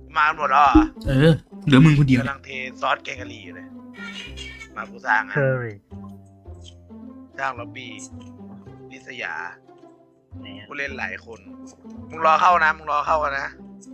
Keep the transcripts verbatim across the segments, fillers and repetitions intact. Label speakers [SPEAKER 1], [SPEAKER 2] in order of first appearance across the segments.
[SPEAKER 1] มาหมดแล้วอ่ะ
[SPEAKER 2] เออเหลือมึงคนเดียว
[SPEAKER 1] กำลังเทซอสแกงกะหรี่อยู่เลยมากูสร้างอ่ะ
[SPEAKER 3] เคอรี่
[SPEAKER 1] สร้างล็อบบี้ลิสยาผู้เล่นหลายคนมึงรอเข้านะมึงรอเข้ากันนะ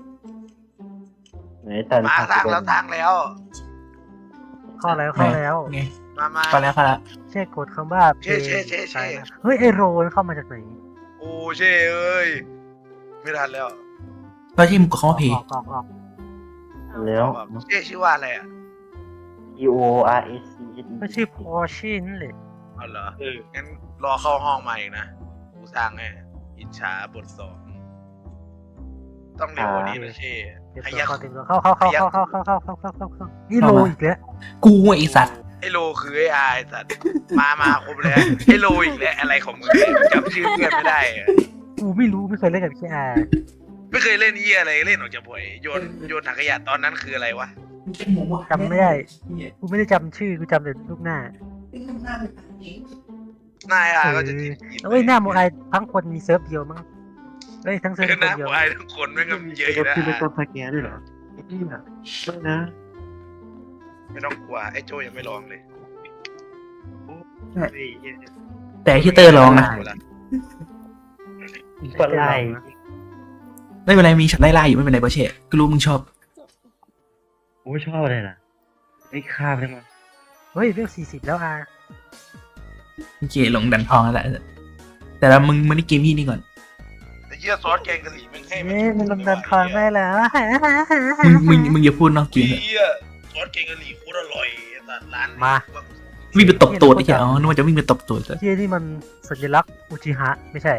[SPEAKER 1] มาสร้างแล้วสร้างแล้ว
[SPEAKER 3] เข้าแล้วเข้าแล้ว
[SPEAKER 2] ไง
[SPEAKER 1] มามา
[SPEAKER 2] เข้าแล้วเข้าแล้ว
[SPEAKER 3] เช่กดคำว่า
[SPEAKER 1] เช่เช่เช่เช่
[SPEAKER 3] เฮ้ยไอโรนเข้ามาจากไหน
[SPEAKER 1] โอ้เช่เอ้ยไม่ทันแล้ว
[SPEAKER 2] ก็ที่มึงกดคำว่าเพย์
[SPEAKER 3] ออกออกออก
[SPEAKER 4] แล้ว
[SPEAKER 1] เช่ชื่อว่าอะไรอ่ะ
[SPEAKER 4] E O R S C
[SPEAKER 3] ก็ชื่อพอชินเลย
[SPEAKER 1] เอาเหรองั้นรอเข้าห้องมาอีกนะกูสร้างให้อิจฉาบทสองต้องเร็วกว่านี้นะเช่
[SPEAKER 3] เดี๋ยว
[SPEAKER 1] ข
[SPEAKER 3] ตัว
[SPEAKER 1] ยัก
[SPEAKER 3] เข้าเต็มตัวเข้าเข้าเข้าเข้าเข้าเข้าเข้าเข้าเข้าเข้าเข้านี่โรอีกแล้ว
[SPEAKER 2] กูไอ้สัตว์
[SPEAKER 1] ไอโลคือไอไอสัตว์มามาครบแล้วไอโลอีกแล้วอะไรของมึงเนี่ยจำชื่อเพื่อนไม่ได้อะ
[SPEAKER 3] กูไม่รู้ไม่เคยเล่นกับพี่อา
[SPEAKER 1] ไม่เคยเล่นเหี้ยอะไรเล่นออกจากบ่อยโยนโยนถังขยะตอนนั้นคืออะไรวะ
[SPEAKER 3] จำไม่ได้กูไม่ได้จำชื่อกูจำแต่รูปหน้า
[SPEAKER 1] หน้าไอก็จะจีบ
[SPEAKER 3] เฮ้ยหน้าโมไอทั้งคนมีเซิร์ฟเดียวมั้งเฮ้ยทั้งเซิร์ฟ
[SPEAKER 1] คือ
[SPEAKER 3] ค
[SPEAKER 1] หน้าน
[SPEAKER 3] เดียว
[SPEAKER 1] ไอทั้งคนแม่งก็เยอะ
[SPEAKER 4] ก็
[SPEAKER 1] นะ
[SPEAKER 4] คือเป็นตัวพาแกด้วยเหรอนี่นะไม่นะ
[SPEAKER 1] ไม่ต้องกลัวไอโจยังไม่ลองเลย
[SPEAKER 2] แต่ที่เตอร์ลองนะ
[SPEAKER 4] ก็ไล่
[SPEAKER 2] ไม่เป็นไรมีฉันไล่ล่าอยู่ไม่เป็นไรเบอร์เช่ก็รู้มึงชอบ
[SPEAKER 4] กูไม่ชอบเลยล่ะไอ้ข้ามได้มั้ย
[SPEAKER 3] เฮ้ยเรื่องสี่สิบแล้วอา
[SPEAKER 2] โอเคหลงดันทองแล้วแหละแต่ละมึงมาในเกมที่นี่ก่อน
[SPEAKER 1] แต่เหี้ยซอสแกงกะหรี่มันให้
[SPEAKER 3] เอ๊ะมันลงดันคอนไม่แล้ว
[SPEAKER 2] มึงมึงมึงอย่าพูดนอกเกมเถอะ
[SPEAKER 1] เหี้ยซอสแกงกะหรี่โคตรอร่อยสัตว์ร้าน
[SPEAKER 3] มา
[SPEAKER 2] วิ่งไปตบตัวไอ้เหี้ยอ๋อนึกว่าจะวิ่งไปตบตัวแต่
[SPEAKER 3] ที่นี่มันสัญลักษณ์อุจิฮะไม่ใช่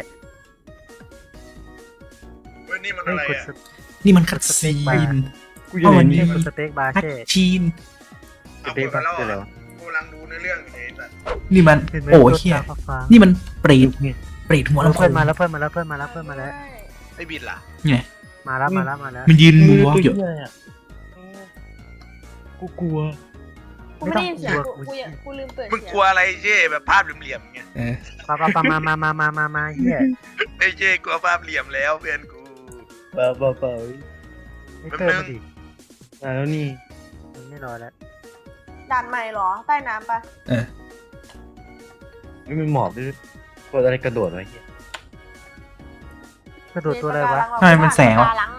[SPEAKER 1] เว้ยนี่มัน
[SPEAKER 3] เฮ้
[SPEAKER 1] อะ
[SPEAKER 3] ย
[SPEAKER 1] ไร
[SPEAKER 3] กด
[SPEAKER 1] อ่ะ
[SPEAKER 2] นี่มันคัดซีน
[SPEAKER 4] กูอยู่ในนี้
[SPEAKER 3] กดสเต็กบาร์
[SPEAKER 2] คัด
[SPEAKER 3] เช่
[SPEAKER 2] ชีน
[SPEAKER 1] เอา
[SPEAKER 4] เป็น
[SPEAKER 1] ไปแล้ว
[SPEAKER 4] คืออะไร
[SPEAKER 1] อ่ะ
[SPEAKER 4] วะ
[SPEAKER 1] กูกำลังดูในเรื่องอยู่ไอ้สัตว์
[SPEAKER 2] นี่มัน
[SPEAKER 3] เห็นไหม
[SPEAKER 2] โอ้เหี้ย
[SPEAKER 3] ตัวฟ้า
[SPEAKER 2] นี่มันเปรตเปรตหัว
[SPEAKER 3] ๆ
[SPEAKER 2] ลำโพ
[SPEAKER 3] เพื่อน
[SPEAKER 2] ง
[SPEAKER 3] มาแล้วเพื่อนมาแล้วเพื่อนมาแล้วเพื่อนมาแล้ว
[SPEAKER 1] ไอ้บิดล่ะ
[SPEAKER 2] ไง
[SPEAKER 3] มาแล้วมาแล้วมาแล้ว
[SPEAKER 2] มันยืนมูวอล์กอยู่
[SPEAKER 4] กูกลัว
[SPEAKER 5] กูไม่ได้ยินเสียงกูกูยังกูลืมเปิด
[SPEAKER 1] มึง
[SPEAKER 5] เสียง
[SPEAKER 1] กลัวอะไรเจ้แบบภาพเหลี่ยมๆไง
[SPEAKER 2] เออ
[SPEAKER 3] ปะปะปะมามามามามามาเฮีย
[SPEAKER 1] ไอ้เจ้กลัวภาพเหลี่ยมแล้วเพื่อนกู
[SPEAKER 4] เปล่าเปล่าเปล่า
[SPEAKER 3] ไอ้เตอร์มาดิ
[SPEAKER 4] มาแล้วนี่
[SPEAKER 3] มันไม่รอแล้ว
[SPEAKER 5] ด่านใหม่เหรอ ใต้น้ำปะ
[SPEAKER 2] เออ
[SPEAKER 4] ไม่มีหมอบด้วยกดอะไรกระโดดไว้เหี้ย
[SPEAKER 3] กระโดดตัวอะไรวะ
[SPEAKER 2] ทำไมมันแสงวะ
[SPEAKER 5] ปาลัง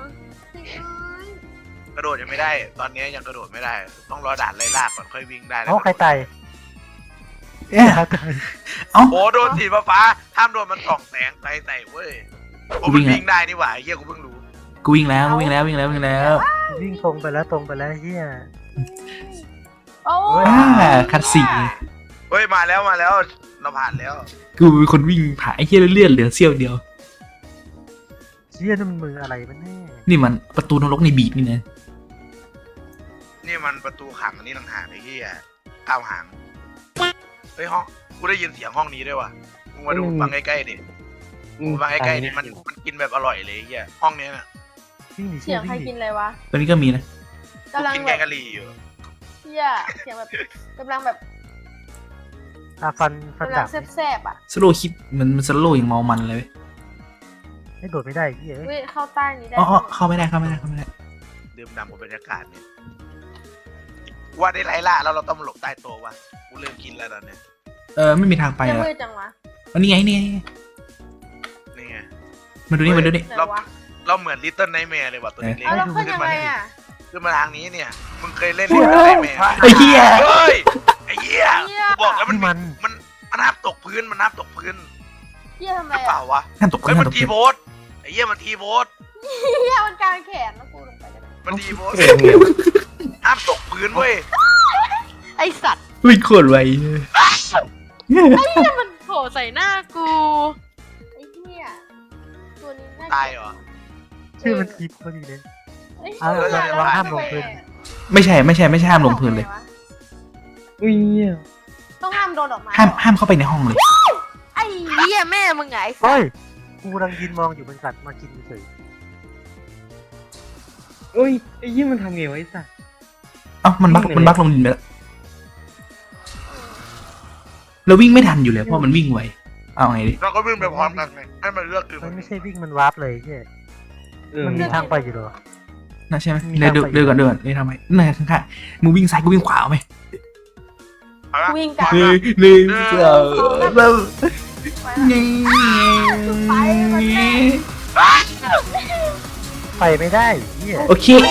[SPEAKER 1] กระโดดยังไม่ได้ ตอนนี้ยังกระโดดไม่ได้ ต้องรอด่านไล่ล่าก่อนค่อยวิ่งได้แล้ว
[SPEAKER 3] เอ้าใครตาย
[SPEAKER 2] เอ๊ะ
[SPEAKER 3] ใครตาย
[SPEAKER 2] เอ้า
[SPEAKER 1] โอ้โดนสีฟ้าๆห้ามโดนมันส่องแสงใส่ใส่เว้ยโอ้มันวิ่งได้นี่หว่าไอ้เฮียกูเพิ่งรู้
[SPEAKER 2] กูวิ่งแล้วกูวิ่งแล้ววิ่งแล้ววิ่งแล้ว
[SPEAKER 3] วิ่งตรงไปแล้วตรงไปแล้วเฮีย
[SPEAKER 5] โอ้
[SPEAKER 2] อ่าคัดสีน
[SPEAKER 1] เฮ้ยมาแล้วมาแล้วเราผ่านแล้ว
[SPEAKER 2] กูเป็นคนวิ่งผ่านไอ้เหี้ยเลื่อนเหลือเสี้ยวเดียว
[SPEAKER 3] เฮียนั่นมันมืออะไรมันแน่
[SPEAKER 2] นี่มันประตูนรกในบีบนี่นะ
[SPEAKER 1] นี่มันประตูขังอันนี้ต่างหากไอ้เฮียก้าวหางเฮ้ยห้องกูได้ยินเสียงห้องนี้ด้วยว่ะมึงมาดูฟังใกล้ๆดิมึงฟังใกล้ๆดิมันมันกินแบบอร่อยเลยไอ้เฮียห้องเนี้ยน่ะ
[SPEAKER 3] วิ่งหนี
[SPEAKER 5] เสี
[SPEAKER 3] เชี่
[SPEAKER 5] ย
[SPEAKER 3] ย
[SPEAKER 5] งใคร
[SPEAKER 3] วิ่งห
[SPEAKER 5] กิ
[SPEAKER 3] นี
[SPEAKER 5] นอะไรวะ
[SPEAKER 2] ตัวนี้ก็มีนะ
[SPEAKER 1] กู
[SPEAKER 5] กำลัง
[SPEAKER 1] กิน
[SPEAKER 5] แบ
[SPEAKER 1] แก
[SPEAKER 5] บ
[SPEAKER 1] งกะหรี่อยู่
[SPEAKER 5] เฮียเสียงแบบกำลังแบบ
[SPEAKER 3] อ่ะฟันฟัน
[SPEAKER 5] กำลั
[SPEAKER 3] ดาง บ
[SPEAKER 5] แซ่บๆอ่ะ
[SPEAKER 2] สโลว์คลิปมันมันสโลว์อย่างเมามันเลยเว้ย
[SPEAKER 3] ไม่โดดไม่ได้เฮีย
[SPEAKER 5] เว้ยเข้าใต้นี้ได้
[SPEAKER 2] อ๋ออ๋อเข้าไม่ได้เข้าไม่ได้เข้าไม่ได้
[SPEAKER 1] ดื่มด่ำกับบรรยากาศเนี่ยว่าได้ไล่ล่าแล้วเราต้องมาหลบใต้โต๊ะวะกูเริ่มกินแล้วตอนเนี้ย
[SPEAKER 2] เออไม่มีทางไป
[SPEAKER 5] จะ
[SPEAKER 2] แล้ว
[SPEAKER 5] มืดจังวะ
[SPEAKER 2] อันนี้ไงนี่ไง
[SPEAKER 1] นี่ไง
[SPEAKER 2] มาดูนี่มาดูนี่
[SPEAKER 5] ไหน
[SPEAKER 1] เรา
[SPEAKER 5] วะ
[SPEAKER 1] เราเหมือนลิตเติ้ลไนท์แมร์เลยว่ะตัวเล็ก
[SPEAKER 5] เอาแล้ว
[SPEAKER 1] ๆ
[SPEAKER 5] ขึ้นยังไงอ่ะ
[SPEAKER 1] ขึ้นมาทางนี้เนี่ย มึงเคยเล่นลิตเติ้ลไนท์แมร์
[SPEAKER 2] ไอ้เหี้ย
[SPEAKER 1] เฮ้ย ไอ้เหี้ย
[SPEAKER 5] เหี้ย
[SPEAKER 1] กูบอกแล้วมัน
[SPEAKER 3] นี่มัน
[SPEAKER 1] มันมันห้ามตกพื้น มันห้ามตกพื้น
[SPEAKER 5] เฮียทำ
[SPEAKER 1] ห
[SPEAKER 5] ไร
[SPEAKER 1] รือเป
[SPEAKER 5] อ่ะ
[SPEAKER 1] ล่าวะ
[SPEAKER 2] ห้ามตก
[SPEAKER 1] เฮ้ย
[SPEAKER 2] ห้า
[SPEAKER 1] มั
[SPEAKER 2] ม
[SPEAKER 1] น
[SPEAKER 2] ตก
[SPEAKER 1] ทีโบสไอ้เหี้ยมันทีโบส
[SPEAKER 5] เฮียมันกลางแขนแล้วกูลงไปได้ไหม
[SPEAKER 1] มันทีโบส
[SPEAKER 4] เก่งเหนียว
[SPEAKER 1] ห้ามตกพื้นเว้ย
[SPEAKER 5] ไอสัตว์
[SPEAKER 2] วิ่งโคตรไว
[SPEAKER 5] เฮียมันโผล่ใส่หน้ากูไอเฮียตัวนี้น่า
[SPEAKER 1] ตายเหรอ
[SPEAKER 3] ชื่อมันทีพอดีเลย
[SPEAKER 5] ไอ้เหี้ย
[SPEAKER 3] เอา
[SPEAKER 1] เอา
[SPEAKER 5] แล้ว
[SPEAKER 1] เอาห้าม
[SPEAKER 3] ลงพื้น
[SPEAKER 2] ไม่ใช่ไม่ใช่ไม่ใช่ห้ามลงพื้นเลย
[SPEAKER 4] อุ้ยเนี่ย
[SPEAKER 5] ต้องห้ามโดนออกมา
[SPEAKER 2] ห้ามห้ามเข้าไปในห้องเลย
[SPEAKER 5] ไอ้เหี้ยแม่มึงไง
[SPEAKER 3] เฮ้ยกูกำลังยืนมองอยู่มันกัดมากินเฉย
[SPEAKER 4] อุ้ยไอ้ยี่มันทำไงวะไอ้สัส
[SPEAKER 2] เอ้ามันบักมันบักลงดินไปแล้วเราวิ่งไม่ทันอยู่เลยเพราะมันวิ่งไวเอาไงดิ
[SPEAKER 1] เราก็วิ่งไปพร้อมกันไงให้มันเลือกคือ
[SPEAKER 3] มันไม่ใช่วิ่งมันวาร์ปเลยเฮีย
[SPEAKER 4] เออ
[SPEAKER 3] มันมีทางไปอยู่เหรอ
[SPEAKER 2] น่าใช่ไหมเดินเดินก่อนเดินก่อนนี่ทำไมนั่นข้างๆมึงวิ่งซ้ายกูวิ่งขวาไหม
[SPEAKER 1] เอาละ
[SPEAKER 5] วิ่งกลับ
[SPEAKER 2] หนึ่งหนึ่งสองสามนี่
[SPEAKER 3] ไปไม่ได้เฮีย
[SPEAKER 2] โอเคไอ้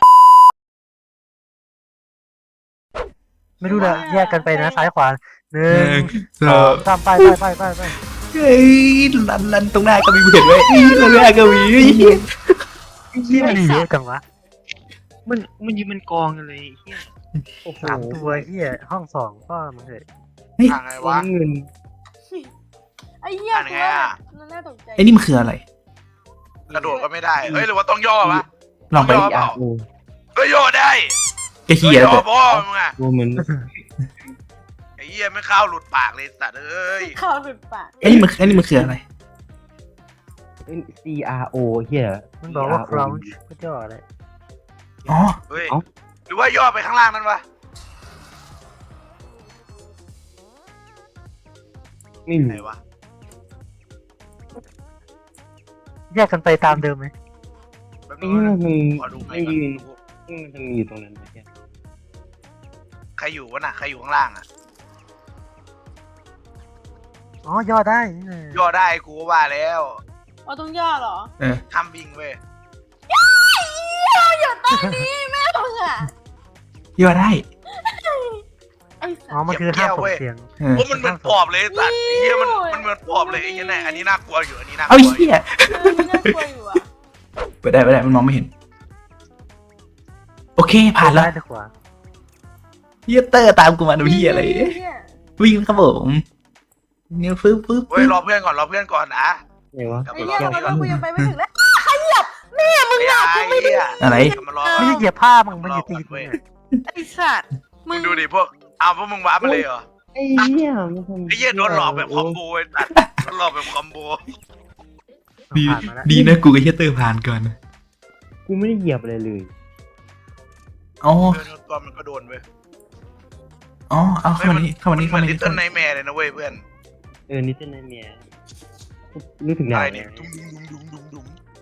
[SPEAKER 3] ไม่รู้ละแยกกันไปนะซ้ายขวาหนึ่
[SPEAKER 2] หนึ่
[SPEAKER 3] ง
[SPEAKER 2] งส
[SPEAKER 3] ส
[SPEAKER 2] อ
[SPEAKER 3] อง งสามไปไปไปไปไป
[SPEAKER 2] เฮ้ยลันลันตรงหน้าก็มีเห็นไว้ตรงหน้าก็มี
[SPEAKER 3] ที่มันเยอะจังวะ
[SPEAKER 4] มันมันยืนมันกองกันเลยเฮียโอ้โห
[SPEAKER 3] สามตัวเฮียห้องสองก็มันเลย
[SPEAKER 1] ทางไง
[SPEAKER 4] ตัว
[SPEAKER 1] วะ
[SPEAKER 4] เงิน
[SPEAKER 5] ไอ้เหี้ย
[SPEAKER 1] อ่านไงอะ
[SPEAKER 5] กูว่าน่าตกใจ
[SPEAKER 2] ไอ้นี่มันคืออะไร
[SPEAKER 1] กระโดดก็ไม่ได้เฮ้ยหรือว่าต้องย่อวะ
[SPEAKER 2] ลองไป
[SPEAKER 1] ย่อเปล่า
[SPEAKER 4] โอ้
[SPEAKER 1] เฮ้ยย่อได้
[SPEAKER 2] ไอ้เหี้ย
[SPEAKER 1] ย่
[SPEAKER 2] แล้ว
[SPEAKER 1] อ
[SPEAKER 2] แต่
[SPEAKER 1] พ่อมึงอะ
[SPEAKER 4] ตัวเหมือน
[SPEAKER 1] ไอ้เหี้ยไม่เข้าหลุดปากเลยสัตว์เอ้ย
[SPEAKER 5] ข่าวหลุดปาก
[SPEAKER 2] ไอ้นี่มันไอ้นี่มันคืออะไร
[SPEAKER 4] C R O เฮีย
[SPEAKER 3] มันบอกว่า crouch ก็จ่ออะไร
[SPEAKER 2] อ๋อ
[SPEAKER 1] เฮ้ยหรือว่าย่อไปข้างล่างนั่นวะ
[SPEAKER 4] ไม่
[SPEAKER 1] ไหน
[SPEAKER 4] รู้
[SPEAKER 1] วะ
[SPEAKER 3] แยกกันไปตามเดิมไหม
[SPEAKER 1] แป๊บ
[SPEAKER 4] ไอ้
[SPEAKER 1] นึง
[SPEAKER 4] เหี้ย
[SPEAKER 1] นะ
[SPEAKER 4] มัน
[SPEAKER 1] ขอดูไป
[SPEAKER 4] ไม่
[SPEAKER 1] ก่อน
[SPEAKER 4] ยืนมันจะมีอยู่ตรงนั้นไหมเฮีย
[SPEAKER 1] ใครอยู่วะน่ะใครอยู่ข้างล่างอะ
[SPEAKER 3] อ๋อย่อได้นี่นะ
[SPEAKER 1] ย่อได้กูก็ว่าแล้ว
[SPEAKER 5] เอาต้องย่อเหรอ
[SPEAKER 2] เออ
[SPEAKER 1] ห้ามวิ่งเว้ย
[SPEAKER 5] เราอยู่ตรงนี้แม่มึงอ่ะ
[SPEAKER 2] ย่อได้
[SPEAKER 5] ไอ้สั
[SPEAKER 3] อ๋อ
[SPEAKER 5] ส
[SPEAKER 3] มันคือห้ามส่งเสียง
[SPEAKER 2] เออ
[SPEAKER 1] โอ้มันเหมือนปอบเลยสัตว์ไอ้เหี้ยมันมันเหมือนปอบเลยไอ้เหี้ยแน่อันนี้น่ากลัวอยู่อันนี้น่ากลั
[SPEAKER 2] เอา
[SPEAKER 1] ว
[SPEAKER 2] ไอ้
[SPEAKER 1] อยู่
[SPEAKER 2] เหี้ย
[SPEAKER 5] เออมันน่ากลัวอยู่อ่ะ
[SPEAKER 2] ไปได้ไปได้มันมองไม่เห็น โอเคผ่านแล้ว
[SPEAKER 3] ซ้ายหรือขวา
[SPEAKER 2] เหี้ยเตอร์ตามกูมาดูเหี้ยอะไร
[SPEAKER 5] เหี้ย
[SPEAKER 2] วิ่งครับผมเนี่ยฟึ๊บฟึ๊บ
[SPEAKER 1] เฮ้ยรอเพื่อนก่อนรอเพื่อนก่อนนะ
[SPEAKER 4] ไหนวะ
[SPEAKER 1] กลับ
[SPEAKER 5] ไอ้
[SPEAKER 1] มาร
[SPEAKER 5] เหี้
[SPEAKER 1] อย
[SPEAKER 5] ทำไม
[SPEAKER 1] เพื่อนก่อน
[SPEAKER 5] กูยังไปไม่ถึงแล้วขยับแม่มึง
[SPEAKER 1] ไอ้
[SPEAKER 5] อ่ะ
[SPEAKER 1] ไอ้เหี้ย
[SPEAKER 2] อะไร
[SPEAKER 1] กลับมารอ
[SPEAKER 3] ไม่
[SPEAKER 1] ก่อน
[SPEAKER 3] ใช่เหยียบผ้ามึงมันอยู่ตีนมึงอะ
[SPEAKER 5] ไอ้สัตว์
[SPEAKER 1] มึงดูดิพวกเอาพวกมึงว้าร์ปมาเลยเหรอ
[SPEAKER 4] ไอ้เหี้ยมันทำ
[SPEAKER 1] ไอ้เหี้ยโดนหลอกแบบคอมโบไอ้สัตว์โดนหลอกแบบคอมโบ
[SPEAKER 2] ดี
[SPEAKER 3] ผ่านมาแล้ว
[SPEAKER 2] ดีนะกูกับเหี้ยเตอร์ผ่านก่อน
[SPEAKER 4] กูไม่ได้เหยียบอะไรเลย
[SPEAKER 2] อ๋อ
[SPEAKER 1] เพื่อนตัวมันก็โดนเว้ย
[SPEAKER 2] อ๋อเอาเข้ามานี่เข้ามานี่
[SPEAKER 1] เหมื
[SPEAKER 2] เข้า
[SPEAKER 1] อน
[SPEAKER 2] มา
[SPEAKER 1] ลิ
[SPEAKER 2] นี่
[SPEAKER 1] ตเติ้ลไนท์แมร์เลยนะเว้ยเพื่อน
[SPEAKER 4] เออนี่เต้นในเมียนึกถึง
[SPEAKER 1] อะ
[SPEAKER 4] ดาว
[SPEAKER 1] ไร
[SPEAKER 4] เนี่
[SPEAKER 1] นี่
[SPEAKER 4] ย
[SPEAKER 1] ดุ้งดุ้งดุ้งดุ้งดุ้ง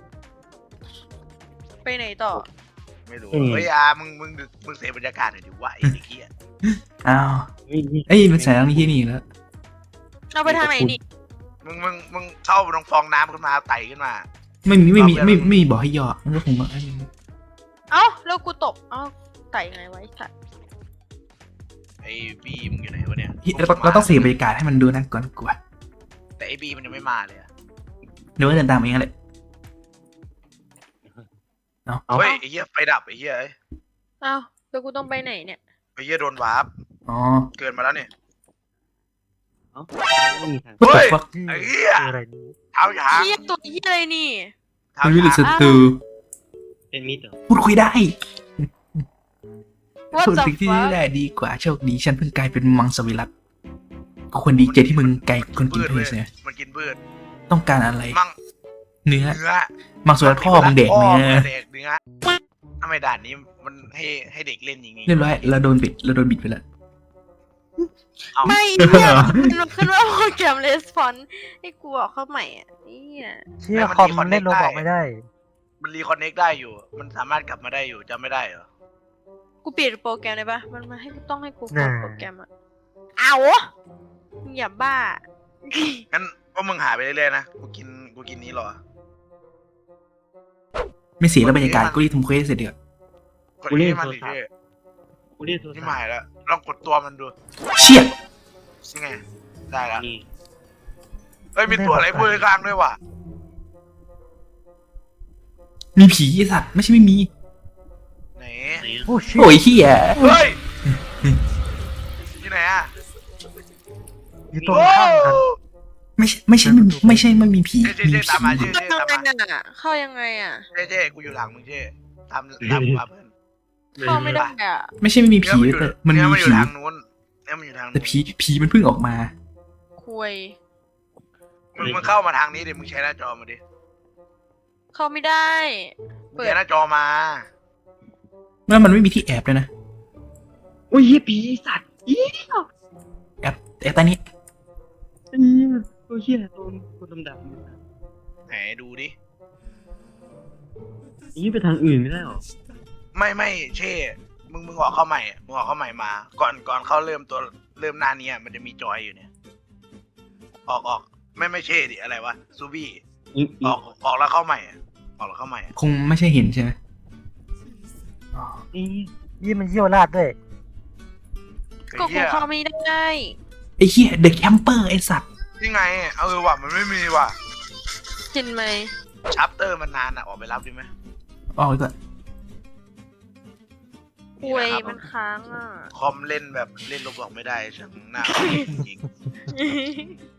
[SPEAKER 5] ไปไหนต่อ
[SPEAKER 1] ไม่รู้เฮ้ยอามึงมึงมึงเสียบรรยากาศหน่อยดิวะไอ้เด็กเหี้ย
[SPEAKER 2] อ้าว
[SPEAKER 4] เฮ้ย
[SPEAKER 2] เอ้ยมันแสงที่นี่แล้ว
[SPEAKER 5] เราไปทางไหนนี่
[SPEAKER 1] มึงมึงมึงเข้าตรงฟองน้ำขึ้นมาไต่ขึ้นมา
[SPEAKER 2] ไม่มีไม่มีไม่ไม่มีบอกให้ย่อมันก็คงว่า
[SPEAKER 5] เอ้าแล้วกูตกเอ้าไต่ยังไงไวะไอ้สัตว์
[SPEAKER 1] ไอ้บีมึงอยู่ไหนวะเนี่ย
[SPEAKER 2] เราต้องเราต้องเสียบรรยากาศให้มันดูน่ากลัวกลัว
[SPEAKER 1] แต่ไอ้บีมันยังไม่มาเลยอะ
[SPEAKER 2] เดี๋ยวก็เดินตามเองแหละ
[SPEAKER 1] เฮ้ยไอ้เหี้ยไฟดับไอ้เหี้ยเอ้ย
[SPEAKER 5] เอ้าแล้วกูต้องไปไหนเนี่ย
[SPEAKER 1] ไอ้เหี้ยโดนวาร์ป
[SPEAKER 2] อ๋อ
[SPEAKER 1] เกินมาแล้วเนี่ย
[SPEAKER 4] เอ้าไม่มีทาง
[SPEAKER 2] What
[SPEAKER 1] เฮ้
[SPEAKER 2] the
[SPEAKER 1] ย
[SPEAKER 2] fuck
[SPEAKER 1] ไอ้เหี้ย
[SPEAKER 3] คืออะไรนี้
[SPEAKER 1] เท้าหยาง
[SPEAKER 5] เหี้ยตัวเหี้ยอะไรนี่
[SPEAKER 1] เท้า
[SPEAKER 2] มัน
[SPEAKER 1] ห
[SPEAKER 2] วิลิ
[SPEAKER 1] ยาง
[SPEAKER 2] สตู
[SPEAKER 4] เป็นมิดเหรอ
[SPEAKER 2] พูดคุยได้
[SPEAKER 5] What
[SPEAKER 2] พูด
[SPEAKER 5] the
[SPEAKER 2] สิ่งที่
[SPEAKER 5] fuck
[SPEAKER 2] ได้ดีกว่าโชคดีฉันเพิ่งกลายเป็นมังสวิรัตก็ควรดีใจที่มึงกลายเป็นคนกิน
[SPEAKER 1] พืช
[SPEAKER 2] พื
[SPEAKER 1] เว้
[SPEAKER 2] ช
[SPEAKER 1] ย
[SPEAKER 2] เนี่ย
[SPEAKER 1] มันกินพืช
[SPEAKER 2] ต้องการอะไร
[SPEAKER 1] มั่ง
[SPEAKER 2] เนื้อ
[SPEAKER 1] เนื้อ
[SPEAKER 2] มังสวิรัตพ่อมึงเด็ก
[SPEAKER 1] พ่อ
[SPEAKER 2] เนื้อ
[SPEAKER 1] มึงเด็กเนื้อทำไมด่านนี้มันให้ให้เด็กเล่นอย่างงี้
[SPEAKER 2] เรียบร้อยเราโดนบิดเราโดนบิดไปแล้ว
[SPEAKER 1] เอา
[SPEAKER 5] ไม่เนี่ยมันขึ้นว่าโปรแกรมレスปอนให้กูออกเข้าใหม่อ่ะเนี่ย
[SPEAKER 3] เชี่ยคอมมันเล่นโรบอกไม่ได้
[SPEAKER 1] มันรีคอนเน็กได้อยู่ มันสามารถกลับมาได้อยู่จำไม่ได้เหรอ
[SPEAKER 5] กูเปลี่ยนโปรแกรมได้ปะมันมาให้กูต้องให้กูกด
[SPEAKER 3] น่า
[SPEAKER 5] โปรแกรมอ่ะเอามึงอย่าบ้า
[SPEAKER 1] งั้นพวกมึงหาไปเรื่อยๆนะ กูกิน กูกินนี้รอ
[SPEAKER 2] ไม่เสียแล้วบรรยากาศกูรีบทำเควสเสร็จเดี๋ยว
[SPEAKER 1] กดนี้ให้มันดิเท่
[SPEAKER 4] กูเรียกโทร
[SPEAKER 1] นี่
[SPEAKER 4] ศัพ
[SPEAKER 1] หมาย
[SPEAKER 4] ท์
[SPEAKER 1] แล้ว ลองกดตัวมันดู
[SPEAKER 2] เชี่ย
[SPEAKER 1] นี่ไง ได้แล้ว
[SPEAKER 4] นี่
[SPEAKER 1] เอ้ย มีตัวอะไรพูดข้างๆด้วยว่ะ
[SPEAKER 2] มีผีไอ้สัตว์ไม่ใช่ไม่มี
[SPEAKER 1] ไหน
[SPEAKER 4] ไหนอะ
[SPEAKER 3] โอ้ชิ
[SPEAKER 2] โอ้ยเฮีย
[SPEAKER 1] เฮ้ยที่ไหนอ่ะ
[SPEAKER 3] อยู่ตรง
[SPEAKER 1] โอ้
[SPEAKER 3] ข้ามกัน
[SPEAKER 2] ไม่ใช่ไม่ใช่ไม่ไม่ใช่ไม่มีผี
[SPEAKER 1] เจ๊เจ๊
[SPEAKER 2] มี
[SPEAKER 1] เจ๊
[SPEAKER 2] ผี
[SPEAKER 1] ตามมาเจ๊
[SPEAKER 5] เข้า
[SPEAKER 1] เจ๊
[SPEAKER 5] ยั
[SPEAKER 1] ตาม
[SPEAKER 5] ง
[SPEAKER 1] มา
[SPEAKER 5] ไงอ่ะเข้ายังไงอ่ะ
[SPEAKER 1] เจ๊เจ๊กูอยู่หลังมึงเจ๊ตามตามกูมาเพื่อน
[SPEAKER 5] เข้าไม่ได้อ่ะ
[SPEAKER 2] ไม่ใช่ไม่มีผี
[SPEAKER 1] เย
[SPEAKER 2] แต่มัน
[SPEAKER 1] เย
[SPEAKER 2] มี
[SPEAKER 1] มันอยู่
[SPEAKER 2] ผี
[SPEAKER 1] ทางนู้นเนี่ยมันอยู่ทางนู้
[SPEAKER 2] แต่
[SPEAKER 1] น
[SPEAKER 2] ผีผีมันเพิ่งออกมา
[SPEAKER 5] คุย
[SPEAKER 1] มึงมึงเข้ามาทางนี้ดิ มึงใช้หน้าจอมาดิ
[SPEAKER 5] เข้าไม่ได้
[SPEAKER 1] มึงใช้หน้าจอมา
[SPEAKER 2] แล้วมันไม่มีที่แอบเลยนะ
[SPEAKER 4] โอ้ยเหี้ยผีสัตว์อี
[SPEAKER 2] แอบแอบใต้นี้
[SPEAKER 4] เหี้ยโอ้ยเหี้ยโดนคนดำๆ
[SPEAKER 1] ไหนดูดิ
[SPEAKER 4] นี่ไปทางอื่นไม่ได้หรอ
[SPEAKER 1] ไม่ไม่เช่มึงมึงออกเข้าใหม่อะมึงออกเข้าใหม่มา ก่อนก่อนเขาเริ่มตัวเริ่มหน้านี้อะมันจะมีจอยอยู่เนี่ย ออกออกไม่ไม่เช่ดิอะไรวะซูบี้
[SPEAKER 4] อีอี
[SPEAKER 1] ออกออกแล้วเข้าใหม่อะออกแล้วเข้าใหม่อะ
[SPEAKER 2] คงไม่ใช่หินใช่ไหม
[SPEAKER 4] อี
[SPEAKER 3] ยี่มันเยี่ยวราดด้วย
[SPEAKER 5] ก็
[SPEAKER 1] ไอ้
[SPEAKER 5] กู
[SPEAKER 1] เหี้ย
[SPEAKER 5] เข้าไม่ได้
[SPEAKER 2] ไอ้เหี้ยเดอะแคมเปอร์ไอ้สัตว์
[SPEAKER 1] นี่ไงเออว่ะมันไม่มีว่ะ
[SPEAKER 5] เห็นไหม
[SPEAKER 1] ชัปเตอร์มันนานอะออกไปรับดีไหม
[SPEAKER 2] ออกก่อน
[SPEAKER 5] คุยมันค้างอ่ะ
[SPEAKER 1] คอมเล่นแบบเล่นลบบอกไม่ได้ฉันหน้าจริง